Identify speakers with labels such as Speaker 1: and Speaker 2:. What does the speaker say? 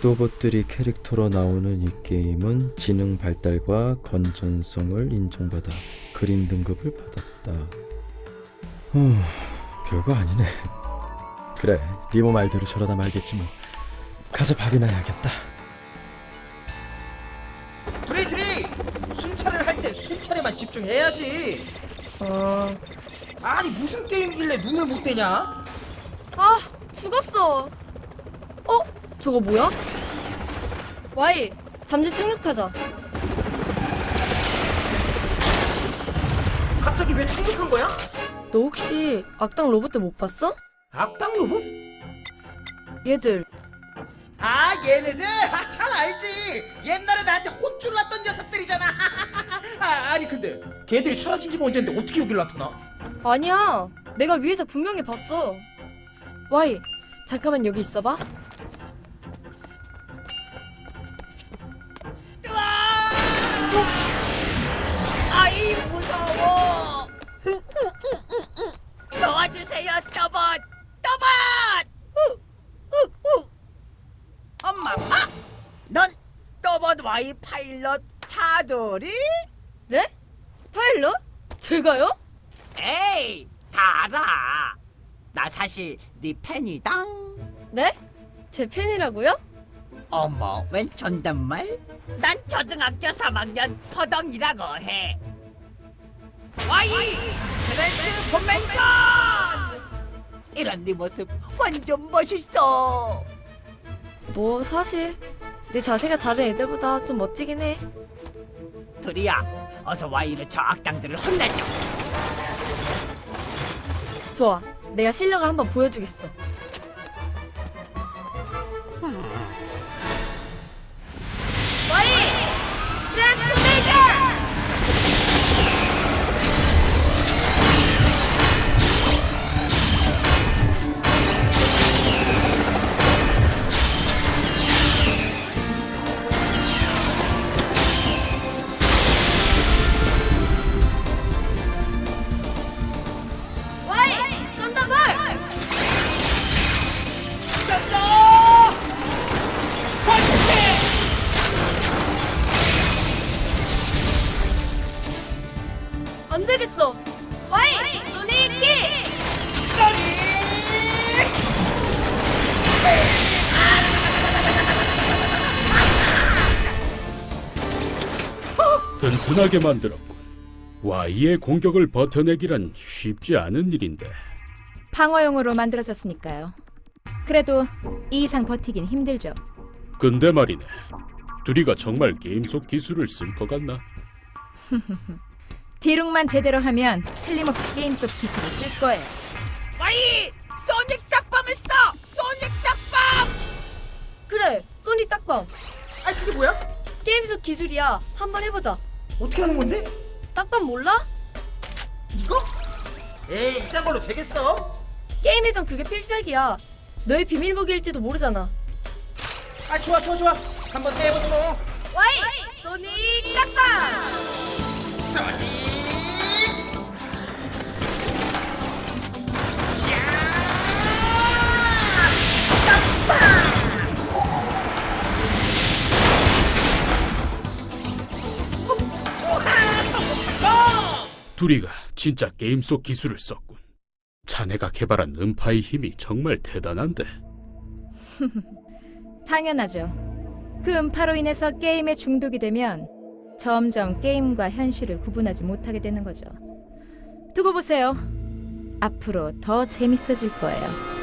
Speaker 1: 로봇들이 캐릭터로 나오는 이 게임은 지능 발달과 건전성을 인정받아 그린 등급을 받았다. 별거 아니네. 그래, 리모 말대로 저러다 말겠지 뭐. 가서 밥이나 해야겠다.
Speaker 2: 드리 순찰을 할 때 순찰에만 집중해야지. 아니 무슨 게임이길래 눈을 못 떼냐?
Speaker 3: 아, 죽었어. 저거 뭐야? 와이, 잠시 착륙하자.
Speaker 2: 갑자기 왜 착륙한 거야?
Speaker 3: 너 혹시 악당 로봇들 못 봤어?
Speaker 2: 악당 로봇?
Speaker 3: 얘들.
Speaker 2: 아 얘네들? 잘 알지. 옛날에 나한테 혼쭐 났던 녀석들이잖아. 아니 근데 걔들이 사라진 지가 언젠데 어떻게 여길 나타나?
Speaker 3: 아니야, 내가 위에서 분명히 봤어. 와이, 잠깐만 여기 있어봐.
Speaker 2: 아이 무서워. 도와주세요 떠봇. 엄마 넌 떠봇 와이 파일럿 차돌이?
Speaker 3: 네? 파일럿? 제가요?
Speaker 2: 에이 다 알아. 나 사실 네 팬이당.
Speaker 3: 네? 제 팬이라고요?
Speaker 2: 어머 웬 존댓말? 난 초등학교 3학년 포동이라고 해. 와이 트랜스포메이션. 이런 네 모습 완전 멋있어.
Speaker 3: 뭐 사실 내 자세가 다른 애들보다 좀 멋지긴 해.
Speaker 2: 둘이야 어서 와이로 저 악당들을 혼내줘.
Speaker 3: 좋아, 내가 실력을 한번 보여주겠어. 와이! 트랜스포메이션! 와이! 썬더볼! 안 되겠어. 와이! 소닉 킥!
Speaker 4: 든든하게 만들었군. Y의 공격을 버텨내기란 쉽지 않은 일인데.
Speaker 5: 방어용으로 만들어졌으니까요. 그래도 이 이상 버티긴 힘들죠.
Speaker 4: 근데 말이네, 둘이가 정말 게임 속 기술을 쓸 것 같나?
Speaker 5: 디룩만 제대로 하면 틀림없이 게임 속 기술을 쓸 거예요.
Speaker 2: 와이 소닉 딱밤을 써. 소닉 딱밤.
Speaker 3: 그래, 소닉 딱밤.
Speaker 2: 아니 그게 뭐야?
Speaker 3: 게임 속 기술이야. 한번 해보자.
Speaker 2: 어떻게 하는 건데?
Speaker 3: 딱밤 몰라?
Speaker 2: 이거? 에이 이딴 걸로 되겠어?
Speaker 3: 게임에선 그게 필살기야. 너의 비밀무기일지도 모르잖아.
Speaker 2: 아 좋아 한번 해보자 뭐.
Speaker 3: 와이! 소닉 딱밤!
Speaker 2: 소닉
Speaker 4: 둘이가 진짜 게임 속 기술을 썼군. 자네가 개발한 음파의 힘이 정말 대단한데.
Speaker 5: 당연하죠. 그 음파로 인해서 게임에 중독이 되면 점점 게임과 현실을 구분하지 못하게 되는 거죠. 두고 보세요. 앞으로 더 재밌어질 거예요.